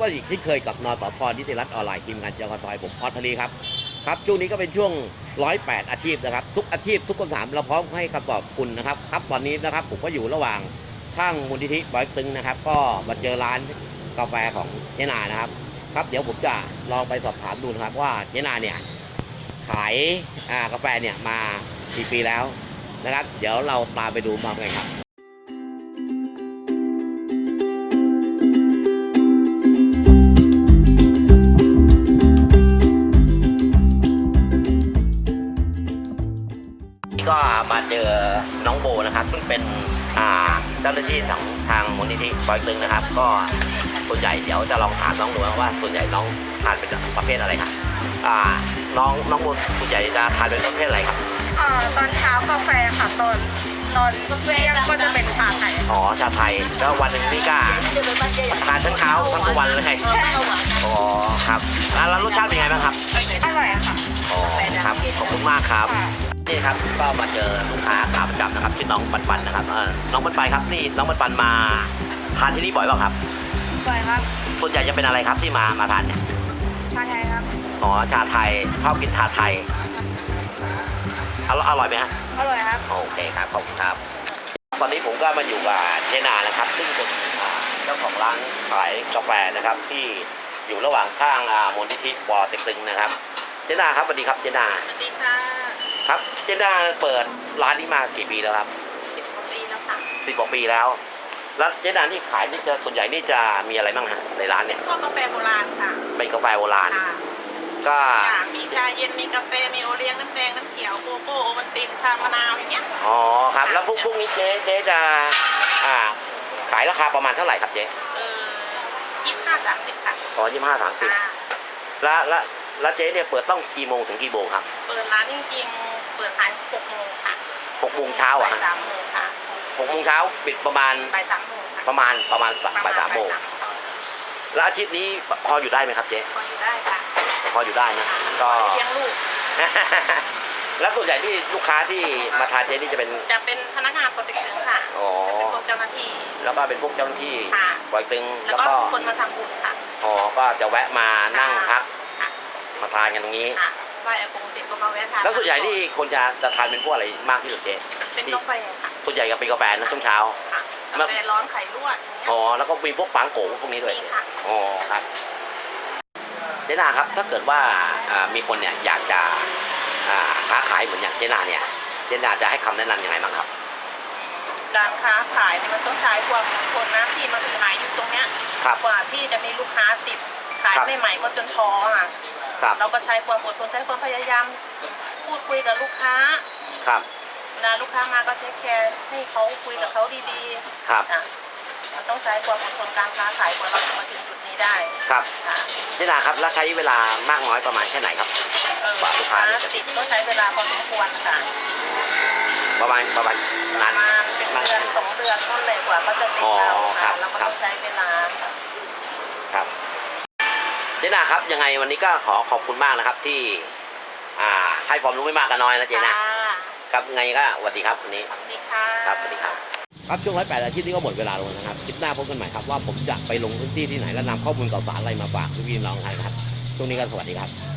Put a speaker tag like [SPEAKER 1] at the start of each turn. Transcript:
[SPEAKER 1] ก็อีกที่เคยกับนสพนิติรัฐออนไลน์ทีมงานจกสผมออสทลีครับครับช่วงนี้ก็เป็นช่วง108อาชีพนะครับทุกอาชีพทุกคำถามเราพร้อมให้คำตอบคุณนะครับตอนนี้นะครับผมก็อยู่ระหว่างข้างมูลนิธิปอยตึงนะครับก็มาเจอร้านกาแฟของเจนานะครับเดี๋ยวผมจะลองไปสอบถามดูนะครับว่าเจนาเนี่ยขายกาแฟเนี่ยมากี่ปีแล้วนะครับเดี๋ยวเราตามไปดูมากันครับก็มาเจอน้องโบนะครับซึ่งเป็นเจ้าหน้าที่ของทางมูลนิธิปอยตึงนะครับก็ส่วนใหญ่เดี๋ยวจะลองถามน้องดูว่าส่วนใหญ่น้องทานเป็นประเภทอะไรครับน้องโบส่วนใหญ่จะทานเป็นประเภทอะไรครับ
[SPEAKER 2] ตอนเช้ากาแฟค่ะตอนเที่ยงก็จะเป็นชาไทย
[SPEAKER 1] อ๋อชาไทยแล้ววันหนึ่งนี่ก็ทานทั้งเช้าทั้งวันเลยอ๋อครับแล้วรสชาติเป็นไงบ้างครับ
[SPEAKER 2] อร่อยค่ะ
[SPEAKER 1] อ๋อครับขอบคุณมากครับนี่ครับก็มาเจอลูกค้าขาประจำนะครับชื่อน้องปันนะครับน้องปันครับนี่น้องปันมาทานที่นี่บ่อยเปล่าครับ
[SPEAKER 2] บ่อยครับ
[SPEAKER 1] ส่วนใหญ่จะเป็นอะไรครับที่มาทานเนี่ย
[SPEAKER 2] ชาไทยครับ
[SPEAKER 1] อ๋อชาไทยชอบกินชาไทยอร่อยไหมฮะ
[SPEAKER 2] อร่อยครับ
[SPEAKER 1] โอเคครับขอบคุณครับตอนนี้ผมก็มาอยู่กับเจนานะครับซึ่งเป็นเจ้าของร้านขายกาแฟนะครับที่อยู่ระหว่างข้างมูลนิธิปอเต็กตึงนะครับเจนาครับสวัสดีครับเจนา
[SPEAKER 2] สวัสดีค่ะ
[SPEAKER 1] ครับเจนาเปิดร้านนี้มากี่ปีแล้วครับ
[SPEAKER 2] 10 กว่าปีแล้วค่ะ
[SPEAKER 1] 10 กว่าปีแล้วเจนานี่ขายนี่จะส่วนใหญ่นี่จะมีอะไรบ้างฮะในร้านเนี่ย
[SPEAKER 2] ก็กาแฟโบราณค่ะ
[SPEAKER 1] เป็นกาแฟโบราณก็
[SPEAKER 2] มีชาเย็นมีกาแฟมีโอเลี้ยงน้ำแดงน้ำเขียวโกโก้โอวัลตินชามะนาวอย่างเงี้ย
[SPEAKER 1] อ๋อครับแล้วพวกนี้เจ๊จะขายราคาประมาณเท่าไหร่ครับเจ๊
[SPEAKER 2] 25-30ค่ะ
[SPEAKER 1] อ๋อ25-30แล้วเจ๊เนี่ยเปิดต้องกี่โมงถึงกี่โมงครับ
[SPEAKER 2] เปิดร้านจริงๆเปิดขาย6 โมงค่ะ
[SPEAKER 1] 6 โมงเช้าอ่ะ
[SPEAKER 2] 3 โมงค่ะ
[SPEAKER 1] 6 โมงเช้าปิดประมาณ
[SPEAKER 2] บ่าย 3 โมงค่ะ
[SPEAKER 1] ประมาณบ่าย 3 โมงแล้วอาทิตย์นี้พออยู่ได้ไหมครับเจ๊
[SPEAKER 2] พออยู่ได้ค่ะ
[SPEAKER 1] พออยู่ได้นะก็
[SPEAKER 2] เลี้ยงลูก
[SPEAKER 1] แล้วส่วนใหญ่ที่ลูกค้าที่มาทานเจ๊นี่จะ
[SPEAKER 2] เป็นพนักงานปเต็กตึงค่ะเป็นพวกเจ้าหน้าที่
[SPEAKER 1] แล้วก็เป็นพวกเจ้าหน้าที่ปอยตึง
[SPEAKER 2] แล้วก็คนมาทำบุญค่ะ
[SPEAKER 1] อ๋อก็จะแวะมานั่งพักมาทานกันตรงนี้
[SPEAKER 2] ไหว้อากงเสร็จก็มาแวะทาน
[SPEAKER 1] แล้วส่วนใหญ่ที่คนจะทานเป็นพวกอะไรมากที่สุดเจ๊
[SPEAKER 2] เป็นกาแฟค่ะ
[SPEAKER 1] ส่วนใหญ่ก็เป็นกาแฟนะช่วงเช้าก
[SPEAKER 2] าแฟร้อนไข่ลวก
[SPEAKER 1] อ๋อแล้วก็มีพวกปังโกพวกนี้ด้วยอ๋อครับเจนาครับถ้าเกิดว่ามีคนเนี่ยอยากจะค้าขายเหมือนอย่างเจนาเนี่ยเจนาจะให้คำแนะนำยังไงบ้างครับ
[SPEAKER 2] การค้าขายเนี่ยมันต้องใช้ความอดทนนะที่มาขายอยู่ตรงเนี้ยกว่าที่จะมีลูกค้าติดขายใหม่ๆก็จนท้อค่ะเราก็ใช้ความอดทนใช้ความพยายามพูดคุยกับลูกค้า
[SPEAKER 1] ครับ
[SPEAKER 2] เวลาลูกค้ามาก็เทคแคร์ให้เขาคุยกับเขาดี
[SPEAKER 1] ๆครับ
[SPEAKER 2] มันต้องใช้ความอดทนการค้าขายกว่าเราจะมาถึงจุดนี้ได้
[SPEAKER 1] ครับเจนาครับแล้วใช้เวลามากน้อยประมาณแค่ไหนครับ
[SPEAKER 2] กว่าลูกค้าติดก็ใช้เวลาพอสมควรค่ะ
[SPEAKER 1] ประมาณนาน
[SPEAKER 2] เป็นเดือน2 เดือนก็เลยกว่าก็จะติดเราค่ะแล้วก็ต้องใช้เวลา
[SPEAKER 1] ครับเจนาครับยังไงวันนี้ก็ขอบคุณมากนะครับที่ให้ความรู้ไม่มากก็น้อยนะเจนะครับไงก็สวัสดีครับวันนี้
[SPEAKER 2] สวัสดีค่ะ
[SPEAKER 1] ครับสวัสดีครับครับช่วง108อาทิตย์นี้ก็หมดเวลาลงนะครับคลิปหน้าพบกันใหม่ครับว่าผมจะไปลงพื้นที่ที่ไหนและนำข้อมูลข่าวสารอะไรมาฝากพี่น้องกันครับช่วงนี้ก็สวัสดีครับ